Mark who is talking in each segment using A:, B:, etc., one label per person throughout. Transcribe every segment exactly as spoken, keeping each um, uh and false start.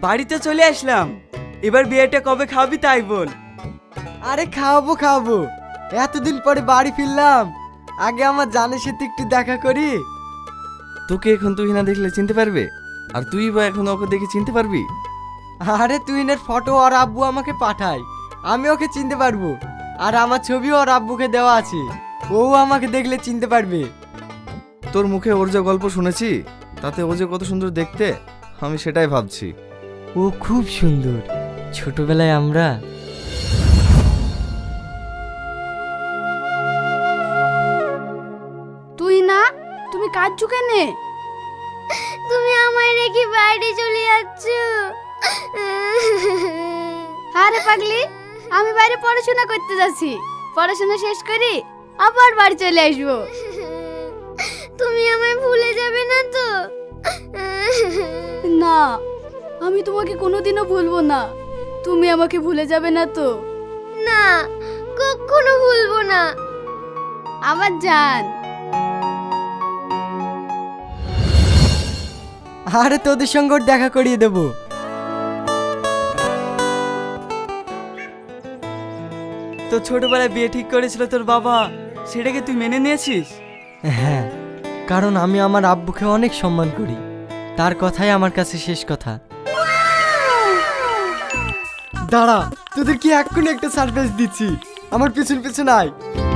A: বাড়িতে চলে আসলাম। এবার বিয়েটা কবে খাবি তাই বল।
B: আরে খাওয়াবো খাওয়াবো, এতদিন পরে বাড়ি ফিরলাম, আগে আমার জানের সাথে একটু দেখা করি।
A: তোকে এখন তুই না দেখলে চিনতে পারবে, আর তুই বা এখন ওকে দেখে চিনতে পারবি?
B: আরে তুহিনের ফটো আর আব্বু আমাকে পাঠায়, আমি ওকে চিনতে পারবো। আর আমার ছবিও ওর আব্বুকে দেওয়া আছে, ও আমাকে দেখলে চিনতে পারবে।
A: তোর মুখে ওর যে গল্প শুনেছি, তাতে ও যে কত সুন্দর দেখতে, আমি সেটাই ভাবছি।
B: ও খুব সুন্দর, ছোটবেলায় আমরা।
C: তুই না, তুমি কাঁদছো কেনে?
D: তুমি আমায় রেখে বাইরে চলে যাচ্ছ।
C: আরে পাগলি, আমি বাইরে পড়াশোনা করতে যাচ্ছি, পড়াশোনা শেষ করি আবার বাড়ি চলে আসবো।
D: তুমি আমায় ভুলে যাবে না তো?
C: না, আমি তোমাকে কোনোদিনও ভুলবো না। তুমি আমাকে ভুলে যাবে না তো?
D: না, কখনো ভুলবো না।
C: আমার জান।
B: আরে তোদের সঙ্গে ওর দেখা করিয়ে দেবো।
A: তো ছোটবেলায় বিয়ে ঠিক করেছিল তোর বাবা, সেটাকে তুই মেনে নিয়েছিস?
B: হ্যাঁ, কারণ আমি আমার আব্বুকে অনেক সম্মান করি, তার কথাই আমার কাছে শেষ কথা। দাঁড়া, তোদের কি এক্ষুনি একটা সারপ্রাইজ দিচ্ছি, আমার পিছন পিছন আয়।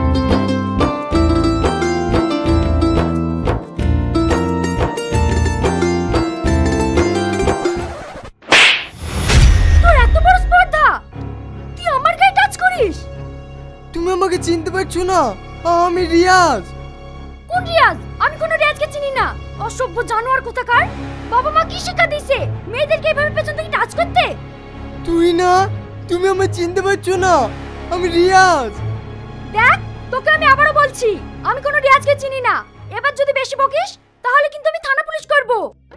C: তোর এত বড় স্পর্ধা, তুই আমার গায়ে টাচ করিস?
B: তুমি আমাকে চিনতে পারছো না? আমি রিয়াজ।
C: কোন রিয়াজ? আমি কোনো রিয়াজকে চিনি না, অসভ্য জানোয়ার কোথাকার। বাবা মা কি শিক্ষা দিয়েছে মেয়েদেরকে এইভাবে পেছন থেকে টাচ করতে?
B: তুই না, তুমি আমায় চিনতে পারছো না? আমি রিয়াজ।
C: দেখ, তোকে আমি আবারও বলছি, আমি কোনো রিয়াজকে চিনি না। এবার যদি বেশি বকিস তাহলে কিন্তু আমি থানা পুলিশ করব।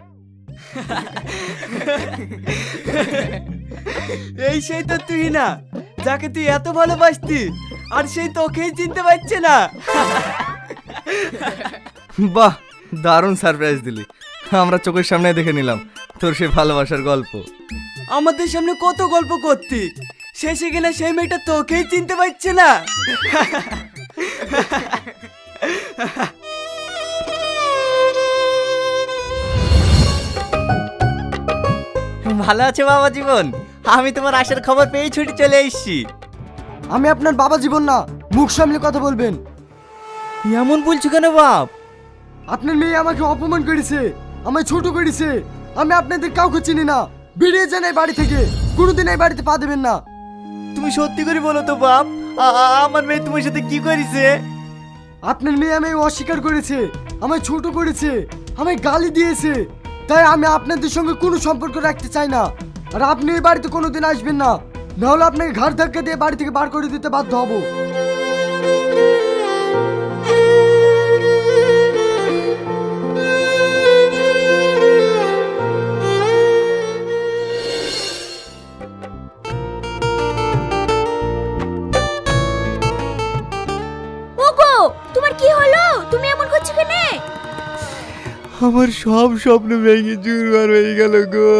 A: এই সেই তো তুই না, যাকে তুই এত ভালোবাসতি, আর সেই তোকেই চিনতে পারছে না। বাহ, দারুণ সারপ্রাইজ দিলি। আমরা চোখের সামনে দেখে নিলাম তোর সেই ভালোবাসার গল্প। আমাদের সামনে কত গল্প করতি, শেষে কিনা সেই মেয়েটা তোকেই চিনতে পারছে না।
E: ভালো আছে বাবা জীবন? আমি তোমার আসার খবর পেয়ে ছুটি চলে এসেছি।
B: আমি আপনার বাবা জীবন না, মুখ সামলে কথা বলবেন।
E: এমন বলছো কেন বাপ?
B: আপনার মেয়ে আমাকে অপমান করেছে, আমায় ছোট করেছে। আমি আপনাদের কাউকে চিনি না, বেরিয়ে যান এই বাড়ি থেকে, কোনোদিন এই বাড়িতে পা দেবেন না।
E: তুমি সত্যি করে বলো তো বাপ, আ- আ- আমার মেয়ে তোমার সাথে কি করেছে?
B: আপনার মেয়ে আমায় অস্বীকার করেছে, আমায় ছোট করেছে, আমায় গালি দিয়েছে। তাই আমি আপনাদের সঙ্গে কোনো সম্পর্ক রাখতে চাই না। আর আপনি এই বাড়িতে কোনোদিন আসবেন না, নাহলে আপনাকে ঘাড় ধাক্কা দিয়ে বাড়ি থেকে বার করে দিতে বাধ্য হব।
C: ওগো, তোমার কি হলো? তুমি এমন করছো কেন?
E: আমার সব স্বপ্ন ভেঙে চুরমার হয়ে গেল গো।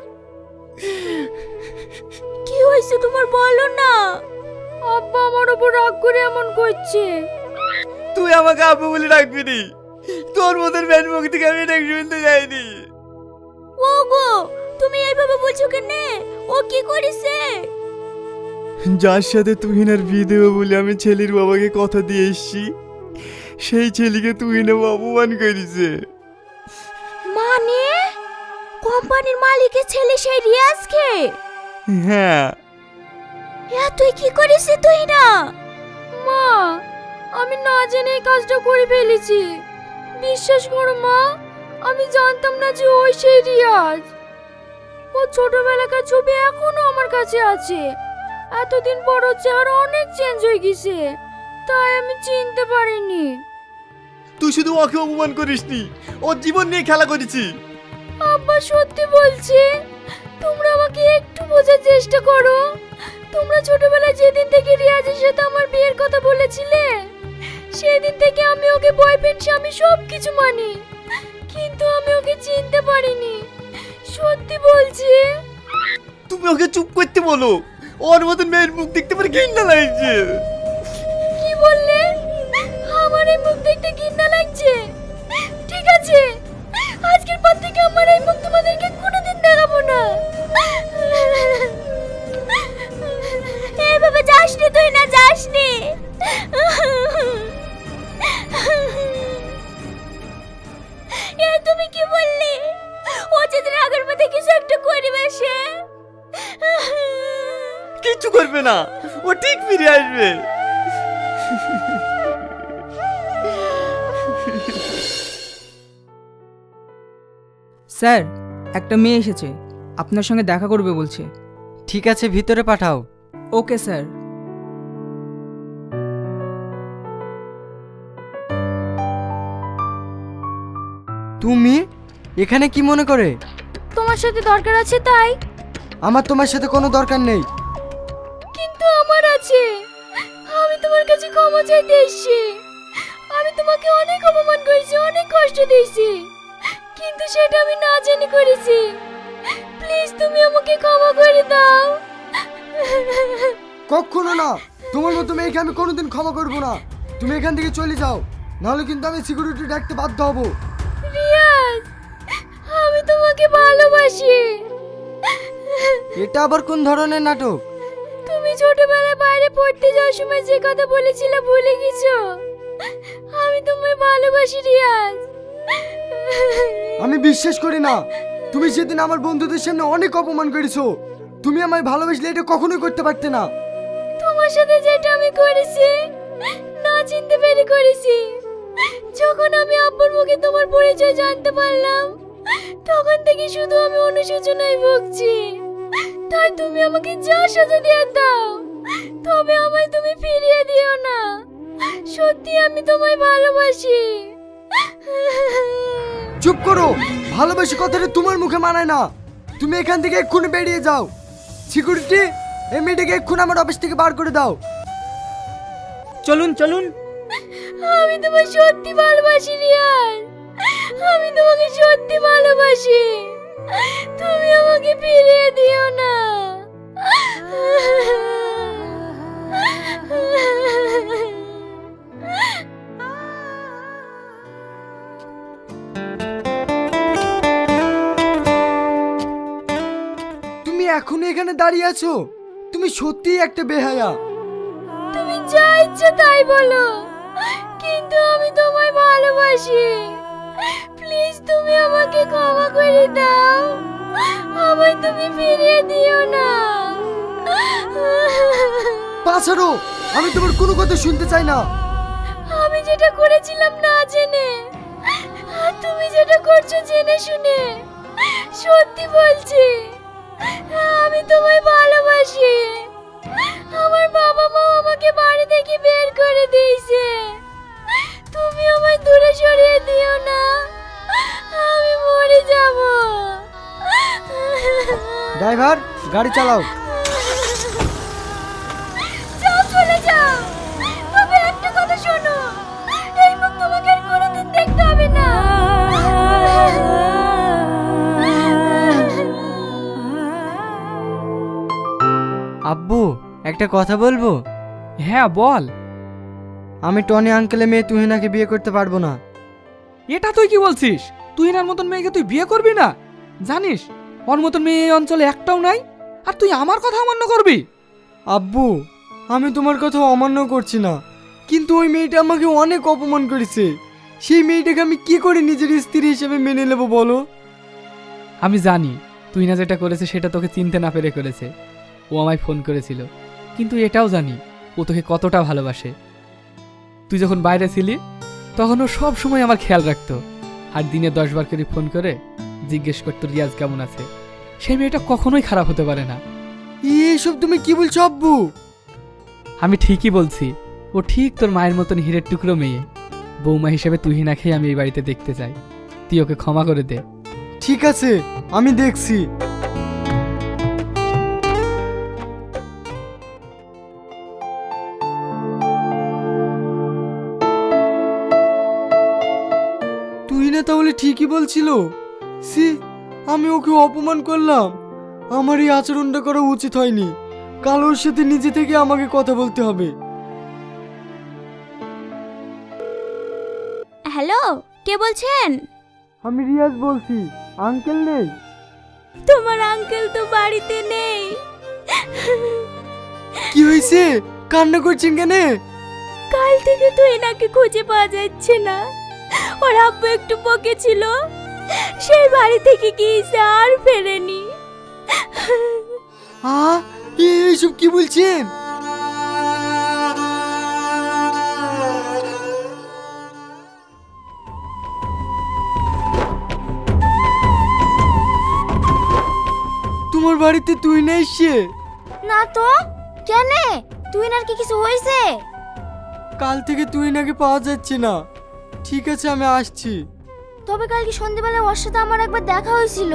C: কি হয়েছে তোমার, বলো না। আব্বা আমার উপর রাগ করে এমন করছে।
E: তুই আমাকে আব্বু বলে ডাকবি নি, তোর মতন ব্যান মুখ থেকে আমি ডাক শুনতে যাইনি।
C: ওগো, তুমি এইভাবে বলছো কেন? ও কি করেছে?
E: যার সাথে তুহিনার বিয়ে দেবো বলে আমি ছেলের বাবাকে কথা দিয়ে এসছি, সেই ছেলেকে তুহিনা অপমান করেছে।
C: মানে কোম্পানির মালিকের ছেলে সেই রিয়াজকে?
E: হ্যাঁ।
C: হ্যাঁ, তুই কি করিস তুই না? মা, আমি না জেনে এই কাজটা করে ফেলেছি। বিশ্বাস করো মা, আমি জানতাম না যে ওই সেই রিয়াজ। ও ছোটবেলাকার ছবি এখনো আমার কাছে আছে। এতদিন পর ওর চেহারা অনেক চেঞ্জ হয়ে গেছে, তাই আমি চিনতে পারিনি।
E: তুই শুধু ওকে অপমান করিসনি, ওর জীবন নিয়ে খেলা করেছি।
C: আব্বা সত্যি বলছি, তোমরা আমাকে একটু বোঝার চেষ্টা করো। তোমরা ছোটবেলায় যেদিন থেকে রিয়াজের সাথে আমার বিয়ের কথা বলেছিলে, সেই দিন থেকে আমি ওকে বয়ফ্রেন্ড স্বামী সব কিছু মানি, কিন্তু আমি ওকে চিনতে পারিনি। সত্যি বলছি,
E: তুমি ওকে চুপ করতে বলো, ওর মতন মেয়ের মুখ দেখতে পারে ঘৃণা লাগছে।
C: কি বললে? আমার এই মুখ দেখতে ঘৃণা লাগছে? ঠিক আছে, আজকের পর থেকে আমার এই মুখ তোমাদেরকে কোনোদিন দেখাবো না।
D: এভাবে যাসনি তুই, না যাসনি। এ তুমি কি বললি? ও যদি রাগের মধ্যে কিছু একটা করবে সে?
E: কিচ্ছু করবে না, ও ঠিক ফিরে আসবে।
F: স্যার, একটা মেয়ে এসেছে, আপনার সঙ্গে দেখা করবে বলছে।
A: ঠিক আছে, ভিতরে পাঠাও।
F: Okay sir.
B: তুমি এখানে কি মনে করে?
C: তোমার সাথে দরকার আছে তাই।
B: আমার তোমার সাথে কোনো দরকার নেই।
C: কিন্তু আমার আছে। আমি তোমার কাছে ক্ষমা চাইতে এসেছি। আমি তোমাকে অনেক অপমান করেছি, অনেক কষ্ট দিয়েছি, কিন্তু সেটা আমি না জেনে করেছি। প্লিজ তুমি আমাকে ক্ষমা করে দাও।
B: কখনো না, তোমার মতো মেয়েকে আমি কোনোদিন ক্ষমা করবো না। তুমি এখান থেকে চলে যাও, নাহলে কিন্তু আমি সিকিউরিটি ডাকতে বাধ্য হব।
C: রিয়াজ, আমি তোমাকে ভালোবাসি।
B: এটা আবার কোন ধরনের নাটক?
C: তুমি ছোটবেলায় বাইরে পড়তে যাওয়ার সময় যে কথা বলেছিলে ভুলে গেছো? আমি তোমায় ভালোবাসি রিয়াজ।
B: আমি বিশ্বাস করি না। তুমি সেদিন আমার বন্ধুদের সামনে অনেক অপমান করেছো। তুমি আমায় ভালোবাসলে এটা কখনোই করতে পারতে না।
C: তোমার সাথে যেটা আমি করেছি, না চিনতে পেরে করেছি। যখন আমি আব্বুর মুখে তোমার পরিচয় জানতে পারলাম, তখন থেকে শুধু আমি অনুশোচনায় ভুগছি। তাই তুমি আমাকে যা সাজা দিয়ে দাও, তবে আমায় তুমি ফিরিয়ে দিও না। সত্যি আমি তোমায় ভালোবাসি।
B: চুপ করো, ভালোবাসি কথাটা তোমার মুখে মানায় না। তুমি এখান থেকে এক্ষুনি বেরিয়ে যাও। সিকিউরিটি, এই মেয়েটাকে এক্ষুনি আমার অফিস থেকে বার করে দাও।
F: চলুন চলুন।
C: আমি তোমায় সত্যি ভালোবাসি রিয়াজ। আমি তোমাকে সত্যি ভালোবাসি। তুমি আমাকে ফিরিয়ে দিও না।
B: তুমি এখনো এখানে দাঁড়িয়ে আছো? তুমি সত্যিই একটা বেহায়া।
C: তুমি যা ইচ্ছে তাই বলো, কিন্তু আমি তোমায় ভালোবাসি। প্লিজ তুমি আমাকে ক্ষমা করে দাও। আমায় তুমি ফিরিয়ে দিও না।
B: পাছাড়ো, আমি তোমার কোনো কথা শুনতে চাই না।
C: আমি যেটা করেছিলাম না জেনে, আর তুমি যেটা করছো জেনে শুনে, সত্যি বলছি আমি তোমায় ভালোবাসি। আমার বাবা মা আমাকে বাড়ি থেকে বের করে দিয়েছে। তুমি আমায় দূরে সরিয়ে দিও না, আমি মরে যাব।
B: ড্রাইভার, গাড়ি চালাও।
C: যাও, চলে যাও। তবে একটা কথা শোনো, এই মুখ তোমাকে আর কোনোদিন দেখতে হবে না।
A: আব্বু, একটা কথা বলবো?
F: হ্যাঁ বল।
B: আমি টনি আঙ্কেলের মেয়ে তুহিনাকে বিয়ে করতে পারবো না।
F: এটা তুই কি বলছিস? তুই এনার মতন মেয়েকে তুই বিয়ে করবি না? জানিস ওর মতন মেয়ে এই অঞ্চলে একটাও নাই, আর তুই আমার কথা অমান্য করবি?
B: আব্বু, আমি তোমার কথা অমান্য করছি না, কিন্তু ওই মেয়েটা আমাকে অনেক অপমান করেছে। সেই মেয়েটাকে আমি কি করে নিজের স্ত্রী হিসেবে মেনে নেব বলো?
F: আমি জানি তুই না যেটা করেছে সেটা তোকে চিনতে না পেরে করেছে। ও আমায় ফোন করেছিল, কিন্তু এটাও জানি ও তোকে কতটা ভালোবাসে। তুই যখন বাইরে ছিলি তখন ও সব সময় আমার খেয়াল রাখতো, আর দিনে দশ বার করে ফোন করে জিজ্ঞেস করতো রিয়াজ কেমন আছে। সেই মেয়েটা কখনোই খারাপ হতে পারে না।
B: এইসব তুমি কি বলছো আব্বু?
F: আমি ঠিকই বলছি, ও ঠিক তোর মায়ের মতন হীরের টুকরো মেয়ে। বৌমা হিসেবে তুহিনাকেই আমি এই বাড়িতে দেখতে চাই। তুই ওকে ক্ষমা করে দে।
B: ঠিক আছে, আমি দেখছি। তুহিনা তাহলে ঠিকই বলছিল। সি, আমি ওকে অপমান করলাম। আমার এই আচরণটা করা উচিত হয়নি। কাল ওর সাথে নিজে থেকে আমাকে কথা বলতে হবে।
D: হ্যালো, কে বলছেন?
B: আমি রিয়াজ বলছি। আঙ্কেল নেই?
D: তোমার আঙ্কেল তো বাড়িতে নেই।
B: কি হয়েছে? কান্না করছেন কেন?
D: কাল থেকে তো এনাকে খুঁজে পাওয়া যাচ্ছে না। ওর আব্বু একটু বকেছিল, সেই বাড়ি থেকে গিয়েছে আর ফেরেনি।
B: আ এইসব কি বলছেন? তোমার বাড়িতে তুই না এসছে?
D: না তো, কেন? তুই নার কি কিছু হয়েছে?
B: কাল থেকে তুই নাকি পাওয়া যাচ্ছে না। ঠিক আছে, আমি আসছি।
D: তবে কালকে সন্ধ্যাবেলা ওর সাথে আমার একবার দেখা হয়েছিল।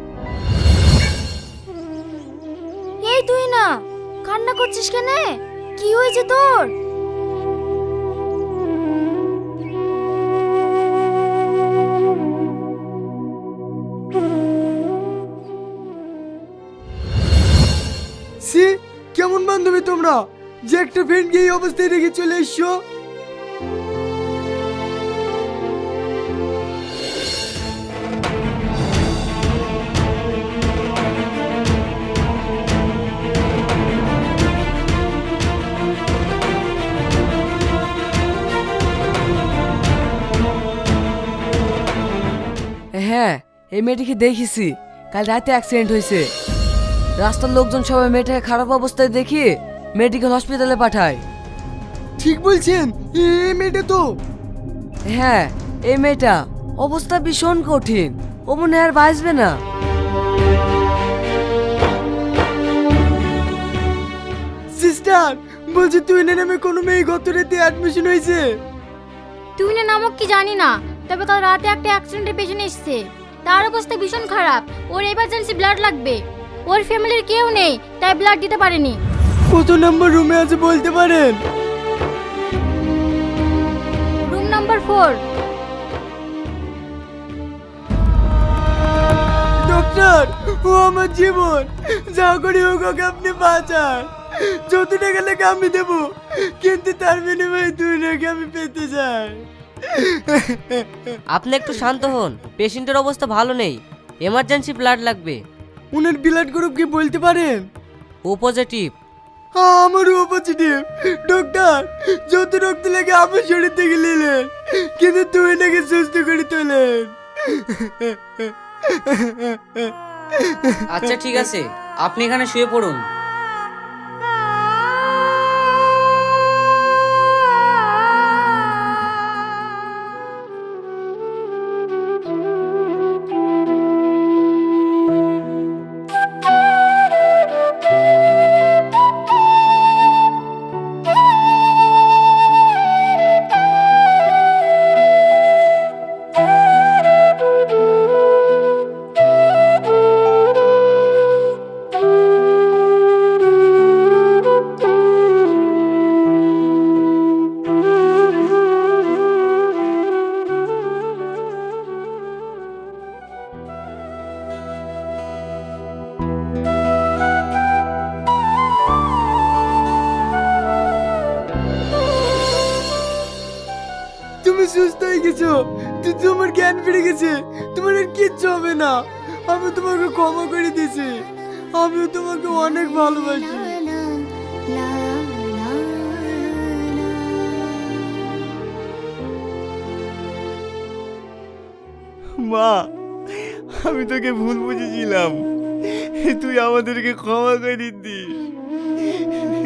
D: এই তুই না, কান্না করছিস কেন? কি হয়েছে তোর?
B: সি কেমন বান্ধবী তোমরা, যে একটা ফ্রেন্ডকে এই অবস্থায় রেখে চলে এসছো?
G: হ্যাঁ, এই মেয়েটিকে দেখেছি। কাল রাতে অ্যাক্সিডেন্ট হয়েছে। রাস্তার লোকজন সবাই মেয়েটাকে খারাপ অবস্থায় দেখি মেডিকেল হসপিটালে পাঠায়।
B: ঠিক বলছেন, এই মেয়েটা তো।
G: হ্যাঁ, এই মেয়েটা অবস্থা ভীষণ কঠিন। ও মনে হয় আর বাঁচবে না।
B: সিস্টার, বলছি তুই না নামে কোনো মেয়ে গত রাতে অ্যাডমিশন হয়েছে?
C: তুই না নামক কি জানি না, তবে কাল রাতে একটা অ্যাক্সিডেন্টের পেছনে এসেছে। তার অবস্থা ভীষণ খারাপ। ওর এমার্জেন্সি ব্লাড লাগবে। ওর ফ্যামিলির কেউ নেই, তাই ব্লাড দিতে পারেনি।
B: কত নম্বর রুমে আছে বলতে পারেন?
C: Room number four.
B: ডক্টর, ও আমার জীবন। যা করি হোক ওকে আপনি বাঁচান। যত টাকা লাগে আমি দেবো, কিন্তু তার বিনিময়ে দুই টাকা আমি পেতে চাই।
H: আপনি একটু শান্ত হন। পেশেন্টের অবস্থা ভালো নেই, এমার্জেন্সি ব্লাড লাগবে।
B: উনার ব্লাড গ্রুপ কি বলতে পারেন?
H: O positive.
B: আমারও ও পজিটিভ। ডক্টর, যত রক্ত লাগে আমার শরীর থেকে নিলেন, কিন্তু তুই নাকি সুস্থ করে তোলেন।
H: আচ্ছা ঠিক আছে, আপনি এখানে শুয়ে পড়ুন।
B: তুমি সুস্থ হয়ে গেছো, তুই তোমার জ্ঞান ফিরে গেছে, তোমার আর কিচ্ছু হবে না। আমি তোমাকে ক্ষমা করে দিয়েছি। আমিও তোমাকে অনেক ভালোবাসি।
E: মা, আমি তোকে ভুল বুঝেছিলাম। তুই আমাদেরকে ক্ষমা করে দিস।